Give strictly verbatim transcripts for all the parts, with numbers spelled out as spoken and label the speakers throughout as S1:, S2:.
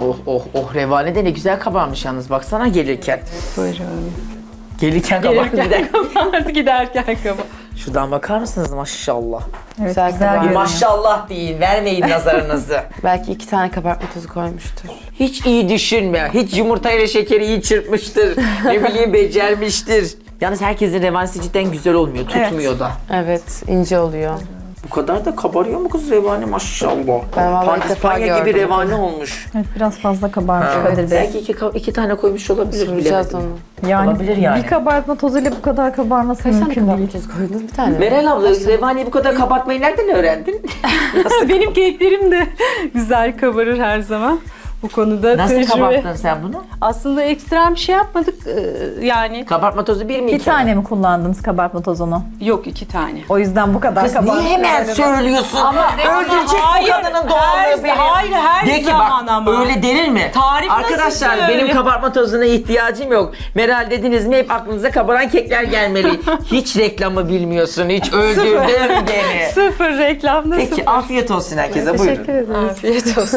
S1: Oh oh oh, revane de ne güzel kabarmış yalnız, baksana gelirken.
S2: Buyurun.
S1: Gelirken kabar gider.
S2: Gelirken kabardı, giderken kabar.
S1: Şuradan bakar mısınız maşallah.
S3: Evet,
S4: Güzel
S3: güzel,
S4: kabarıyor.
S1: Bir
S3: görünüyor.
S1: maşallah deyin, vermeyin nazarınızı.
S4: Belki iki tane kabartma tozu koymuştur.
S1: Hiç iyi düşünme. Hiç yumurtayla şekeri iyi çırpmıştır. Ne bileyim becermiştir. Yalnız herkesin revanesi cidden güzel olmuyor. Tutmuyor da.
S4: Evet, ince oluyor.
S1: Bu kadar da kabarıyor mu kız revane maşallah.
S4: Ben vallahi ilk defa
S1: Pandispanya gibi
S4: gördüm.
S1: revane olmuş.
S3: Evet, biraz fazla kabarmış
S1: Ha,
S3: Kadir Bey.
S1: belki iki, ka- iki tane koymuş olabilir,
S4: Soracağız
S1: bilemedim.
S4: onu.
S3: Yani,
S1: Olabilir yani.
S3: bir kabartma tozuyla bu kadar kabarması
S4: Kaç tane
S3: mümkün
S4: kabartma
S3: değil.
S4: tozu koydunuz? Bir tane mi?
S1: Meral abla, revaneyi bu kadar kabartmayı nereden öğrendin?
S2: Benim keklerim de güzel kabarır her zaman. Bu konuda
S1: Nasıl
S2: tecrübe.
S1: kabarttın sen bunu?
S2: Aslında ekstrem bir şey yapmadık ee, yani.
S1: Kabartma tozu bir mi
S3: Bir
S1: iki
S3: tane mi kullandınız kabartma tozunu?
S2: Yok, iki tane.
S3: O yüzden bu kadar
S1: Kız
S3: kabartma.
S1: niye hemen söylüyorsun? Ama öldürecek
S2: hayır,
S1: bu kadının
S2: her-
S1: doğallığı beni.
S2: hayır, her
S1: De ki
S2: zaman
S1: bak,
S2: ama.
S1: öyle denir mi?
S2: Tarif nasıl
S1: Arkadaşlar
S2: söyle?
S1: benim kabartma tozuna ihtiyacım yok. Meral dediniz mi hep aklınıza kabaran kekler gelmeli. Hiç reklamı bilmiyorsun. Hiç öldürdün beni.
S2: Sıfır reklamda
S1: Peki
S2: sıfır.
S1: afiyet olsun herkese, buyurun.
S4: Teşekkür ederiz.
S2: Afiyet olsun.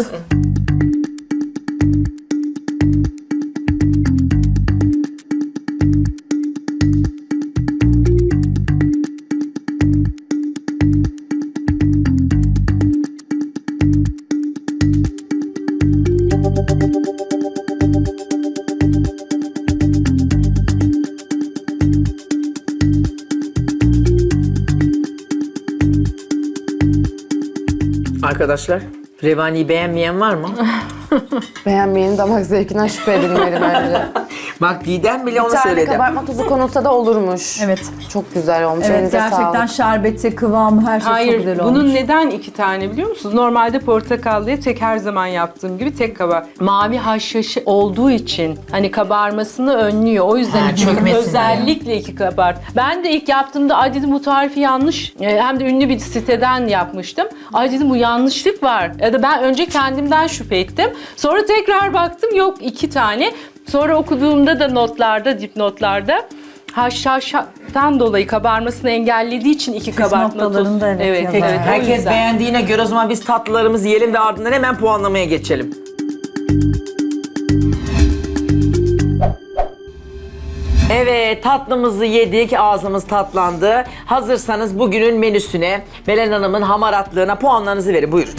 S1: Arkadaşlar, revaniyi beğenmeyen var mı?
S4: Beğenmeyenin damak zevkinden şüphe edilmeli bence.
S1: Bak Didem bile
S4: Bir
S1: onu
S4: tane
S1: söyledi.
S4: kabartma tozu konulsa da olurmuş.
S3: Evet.
S4: Çok güzel olmuş.
S3: Evet,
S4: Elinize
S3: gerçekten
S4: sağlık.
S3: şerbeti, kıvamı, her şey çok
S2: Hayır,
S3: güzel
S2: bunun
S3: olmuş.
S2: neden iki tane biliyor musunuz? Normalde portakallıya tek, her zaman yaptığım gibi tek kabar. Mavi haşhaşı olduğu için hani kabarmasını önlüyor. O yüzden
S1: Ha,
S2: iki-
S1: çökmesin
S2: özellikle iki kabart. Ben de ilk yaptığımda ay dedim bu tarifi yanlış. E, Hem de ünlü bir siteden yapmıştım. Ay dedim bu yanlışlık var. Ya da ben önce kendimden şüphe ettim. Sonra tekrar baktım yok iki tane. Sonra okuduğumda da notlarda, dipnotlarda haşhaştan dolayı kabarmasını engellediği için iki kabartma tozu.
S3: noktalarında evet
S2: evet,
S3: yazar.
S2: evet, o
S1: Herkes
S2: yüzden.
S1: beğendiğine göre o zaman biz tatlılarımızı yiyelim ve ardından hemen puanlamaya geçelim. Evet, tatlımızı yedik, ağzımız tatlandı. Hazırsanız bugünün menüsüne, Belen Hanım'ın hamaratlığına puanlarınızı verin. Buyurun.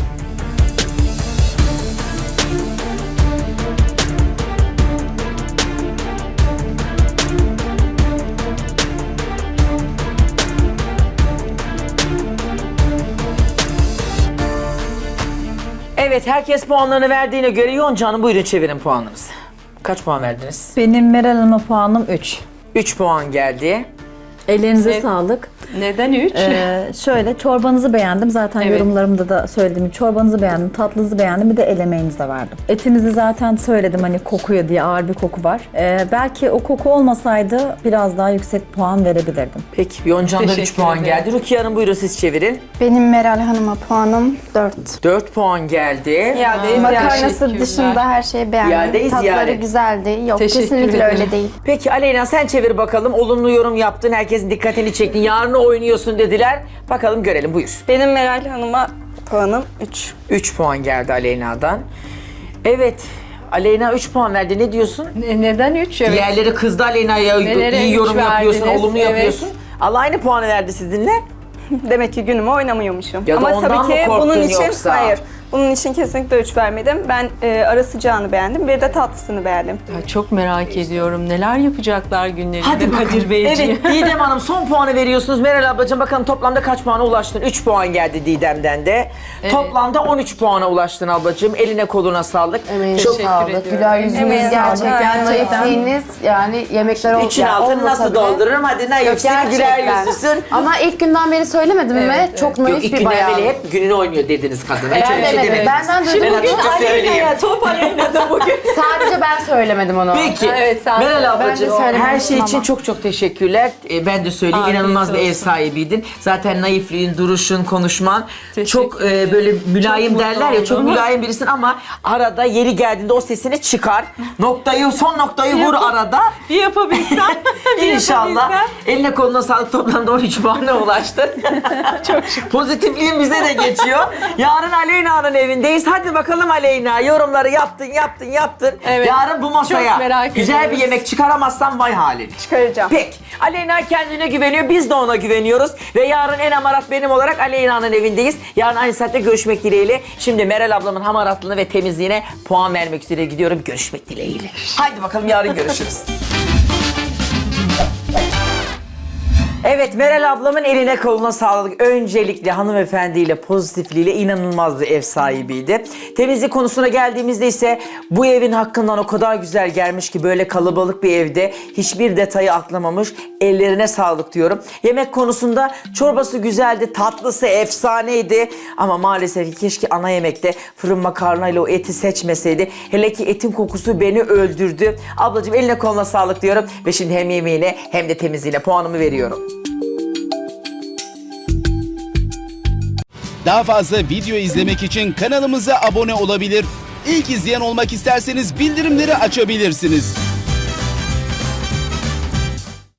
S1: Evet, herkes puanlarını verdiğine göre Yonca Hanım buyurun çevirin puanlarınızı. Kaç puan verdiniz?
S3: Benim Meral Hanım'a puanım üç.
S1: üç puan geldi.
S3: Ellerinize
S2: Evet.
S3: sağlık.
S2: Neden üç?
S3: Ee, şöyle çorbanızı beğendim. Zaten
S2: Evet.
S3: yorumlarımda da söylediğim çorbanızı beğendim, tatlınızı beğendim. Bir de el emeğinizi de verdim. Etinizi zaten söyledim hani kokuyor diye, ağır bir koku var. Ee, belki o koku olmasaydı biraz daha yüksek puan verebilirdim.
S1: Peki, Yonca'dan üç
S2: Teşekkür
S1: puan
S2: ederim.
S1: geldi. Rukiye Hanım buyurun siz çevirin.
S5: Benim Meral Hanım'a puanım dört.
S1: dört puan geldi.
S2: İadeyi
S5: Makarnası
S2: teşekkürler.
S5: dışında her şeyi beğendim.
S1: İadeyiz
S5: Tatları
S1: yani.
S5: güzeldi. Yok,
S2: Teşekkür
S5: kesinlikle
S2: ederim.
S5: öyle değil.
S1: Peki Aleyna sen çevir bakalım. Olumlu yorum yaptın, herkesin dikkatini çektin. Yarın oynuyorsun dediler. Bakalım görelim, buyur.
S6: Benim Meral Hanım'a puanım üç.
S1: üç puan geldi Aleyna'dan. Evet, Aleyna üç puan verdi. Ne diyorsun?
S2: Ne- Neden üç? Evet.
S1: Diğerleri kızdı Aleyna'ya.
S2: Nelere
S1: İyi
S2: üç
S1: yorum yapıyorsun,
S2: verdiniz?
S1: olumlu
S2: Evet.
S1: yapıyorsun. Allah aynı puanı verdi sizinle.
S6: Demek ki günümü oynamıyormuşum.
S1: Ya da
S6: Ama
S1: ondan
S6: tabii
S1: mı
S6: ki
S1: korktun
S6: bunun için
S1: yoksa?
S6: hayır. Bunun için kesinlikle üç vermedim. Ben e, ara sıcağını beğendim. Bir de tatlısını beğendim.
S2: Ya çok merak ediyorum. Neler yapacaklar günlerinde
S1: Hadi bakalım.
S2: Kadir Beyciğim.
S1: Evet Didem Hanım son puanı veriyorsunuz. Meral ablacığım bakalım toplamda kaç puana ulaştın? üç puan geldi Didem'den de.
S2: Evet.
S1: Toplamda on üç puana ulaştın ablacığım. Eline koluna sağlık.
S4: Emeğinize
S2: Teşekkür
S4: sağlık.
S2: ediyorum.
S4: Güler yüzünüz
S6: Emeğinize
S4: gerçekten.
S6: sağlık.
S4: Naifliğiniz yani yemekler oldu.
S1: İçin altını nasıl doldururum? Hadi naifsin, güler yüzlüsün.
S4: Ama ilk günden beri söylemedim mi? Çok
S1: Yok,
S4: naif
S1: ilk
S4: bir
S1: günden
S4: bayan.
S1: beri hep gününü oynuyor dediniz kadın. Hiç
S4: Ben
S1: öyle şey
S4: demedim.
S1: demediniz.
S4: Benden
S1: Ben
S4: duydum.
S1: açıkça söyleyeyim.
S2: top Aleyna'da bugün.
S4: Sadece ben söylemedim onu.
S1: Peki.
S2: Evet, sen
S1: Meral
S2: söyle.
S1: ablacığım
S5: Ben de söylememiştim
S1: her şey için
S5: ama.
S1: çok çok teşekkürler. Ee, ben de söyleyeyim
S2: Afiyet
S1: inanılmaz bir ev
S2: olsun.
S1: sahibiydin. Zaten naifliğin, duruşun, konuşman
S2: Teşekkür
S1: çok e,
S2: ederim.
S1: böyle mülayim
S2: Çok
S1: derler ya
S2: mutlu
S1: çok
S2: oldum.
S1: mülayim birisin ama arada yeri geldiğinde o sesini çıkar. Noktayı son noktayı vur
S2: Yap-
S1: arada.
S2: Bir yapabilsem. bir
S1: İnşallah.
S2: yapabilsem.
S1: Eline koluna sağlık, toplamda on üç puana ulaştın.
S2: Çok şükür.
S1: Pozitifliğin bize de geçiyor. Yarın Aleyna'nın evindeyiz. Hadi bakalım Aleyna. Yorumları yaptın, yaptın, yaptın.
S2: Evet.
S1: Yarın bu masaya
S2: Çok merak
S1: güzel bir
S2: ediyoruz.
S1: yemek çıkaramazsan vay halin.
S6: Çıkaracağım.
S1: Peki. Aleyna kendine güveniyor. Biz de ona güveniyoruz. Ve yarın en hamarat benim olarak Aleyna'nın evindeyiz. Yarın aynı saatte görüşmek dileğiyle. Şimdi Meral ablamın hamaratlığına ve temizliğine puan vermek üzere gidiyorum. Görüşmek dileğiyle. Haydi bakalım yarın görüşürüz. Evet, Meral ablamın eline koluna sağlık. Öncelikle hanımefendiyle, pozitifliğiyle inanılmaz bir ev sahibiydi. Temizlik konusuna geldiğimizde ise bu evin hakkından o kadar güzel gelmiş ki böyle kalabalık bir evde hiçbir detayı atlamamış. Ellerine sağlık diyorum. Yemek konusunda çorbası güzeldi, tatlısı efsaneydi. Ama maalesef ki keşke ana yemekte fırın makarnayla o eti seçmeseydi. Hele ki etin kokusu beni öldürdü. Ablacığım eline koluna sağlık diyorum. Ve şimdi hem yemeğine hem de temizliğine puanımı veriyorum.
S7: Daha fazla video izlemek için kanalımıza abone olabilir. İlk izleyen olmak isterseniz bildirimleri açabilirsiniz.